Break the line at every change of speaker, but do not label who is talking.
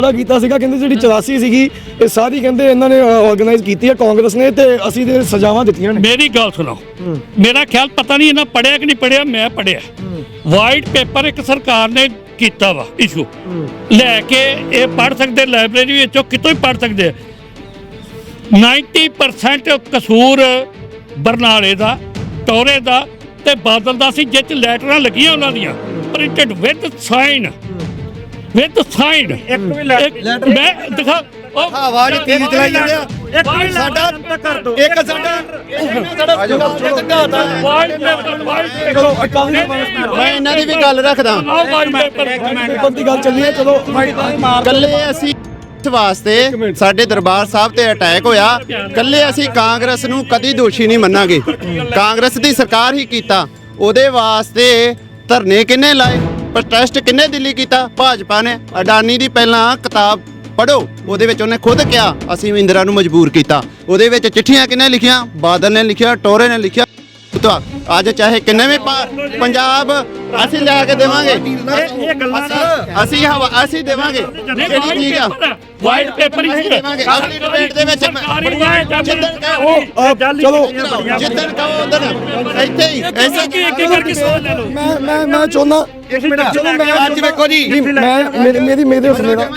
ਜਿਹੜਾ ਕੀਤਾ ਸੀਗਾ ਕਹਿੰਦੇ ਜਿਹੜੀ 84 ਸੀਗੀ ਇਹ ਸਾਰੀ ਕਹਿੰਦੇ ਇਹਨਾਂ ਨੇ ਆਰਗੇਨਾਈਜ਼ ਕੀਤੀ ਹੈ ਕਾਂਗਰਸ ਨੇ ਤੇ ਅਸੀਂ ਤੇ ਸਜ਼ਾਵਾਂ ਦਿੱਤੀਆਂ ਨੇ।
ਮੇਰੀ ਗੱਲ ਸੁਣੋ, ਮੇਰਾ ਖਿਆਲ ਪਤਾ ਨਹੀਂ ਇਹਨਾਂ ਪੜਿਆ ਕਿ ਨਹੀਂ ਪੜਿਆ, ਮੈਂ ਪੜਿਆ ਵਾਈਟ ਪੇਪਰ ਇੱਕ ਸਰਕਾਰ ਨੇ ਕੀਤਾ ਵਾ ਇਸ਼ੂ ਲੈ ਕੇ, ਇਹ ਪੜ ਸਕਦੇ ਲਾਇਬ੍ਰੇਰੀ ਵਿੱਚੋਂ ਕਿਤੋਂ ਹੀ ਪੜ ਸਕਦੇ। 90% ਕਸੂਰ ਬਰਨਾਲੇ ਦਾ, ਟੋਰੇ ਦਾ ਤੇ ਬਾਦਲ ਦਾ ਸੀ, ਜਿਹ 'ਚ ਲੈਟਰਾਂ ਲੱਗੀਆਂ ਉਹਨਾਂ ਦੀਆਂ ਪ੍ਰਿੰਟਡ ਵਿਦ ਸਾਈਨ
ਇੱਕ ਵੀ ਲੈਟਰ
ਮੈਂ ਦਿਖਾ
ਆਵਾਜ਼ ਤੇਜ਼ ਚਲਾਈ ਜਾਂਦੇ ਆ। ਸਾਡਾ ਇੱਕ ਮੈਂ ਇਹਨਾਂ ਦੀ ਵੀ ਗੱਲ ਰੱਖਦਾ,
ਪੇਪਰ ਦੀ ਗੱਲ ਚੱਲੀ ਹੈ। ਚਲੋ
ਕੱਲੇ ਅਸੀਂ ਵਾਸਤੇ ਸਾਡੇ ਦਰਬਾਰ ਸਾਹਿਬ ਤੇ ਅਟੈਕ ਹੋਇਆ, ਕੱਲੇ ਅਸੀਂ ਕਾਂਗਰਸ ਨੂੰ ਕਦੀ ਦੋਸ਼ੀ ਨਹੀਂ ਮੰਨਾਂਗੇ। ਕਾਂਗਰਸ ਦੀ ਸਰਕਾਰ ਹੀ ਕੀਤਾ, ਉਹਦੇ ਵਾਸਤੇ ਧਰਨੇ ਕਿੰਨੇ ਲਾਏ, ਪ੍ਰੋਟੈਸਟ ਕਿੰਨੇ ਦਿੱਲੀ ਕੀਤਾ, ਭਾਜਪਾ ਨੇ। ਅਡਾਨੀ ਦੀ ਪਹਿਲਾਂ ਕਿਤਾਬ ਪੜ੍ਹੋ, ਉਹਦੇ ਵਿੱਚ ਉਹਨੇ ਖੁਦ ਕਿਹਾ ਅਸੀਂ ਇੰਦਰਾ ਨੂੰ ਮਜਬੂਰ ਕੀਤਾ। ਉਹਦੇ ਵਿੱਚ ਚਿੱਠੀਆਂ ਕਿੰਨੇ ਲਿਖੀਆਂ, ਬਾਦਲ ਨੇ ਲਿਖਿਆ, ਟੋਰੇ ਨੇ ਲਿਖਿਆ। ਅੱਜ ਚਾਹੇ ਕਿੰਨੇ ਵੀ ਪੰਜਾਬ ਅਸੀਂ ਲੈ ਕੇ ਦੇਵਾਂਗੇ, ਅਸੀਂ ਦੇਵਾਂਗੇ ਜਿਹੜੀ ਚੀਜ਼ ਆ
ਵਾਈਟ ਪੇਪਰ ਹੀ
ਦੇਵਾਂਗੇ। ਅਗਲੀ ਡਿਬੇਟ ਦੇ ਵਿੱਚ
ਚਲੋ
ਜਿੱਦਣ ਕਹੋ ਉਦੋਂ ਇੱਥੇ ਹੀ
ਮੈਂ ਚਾਹੁੰਦਾ
ਅੱਜ ਵੇਖੋ ਜੀ
ਮੇਰੀ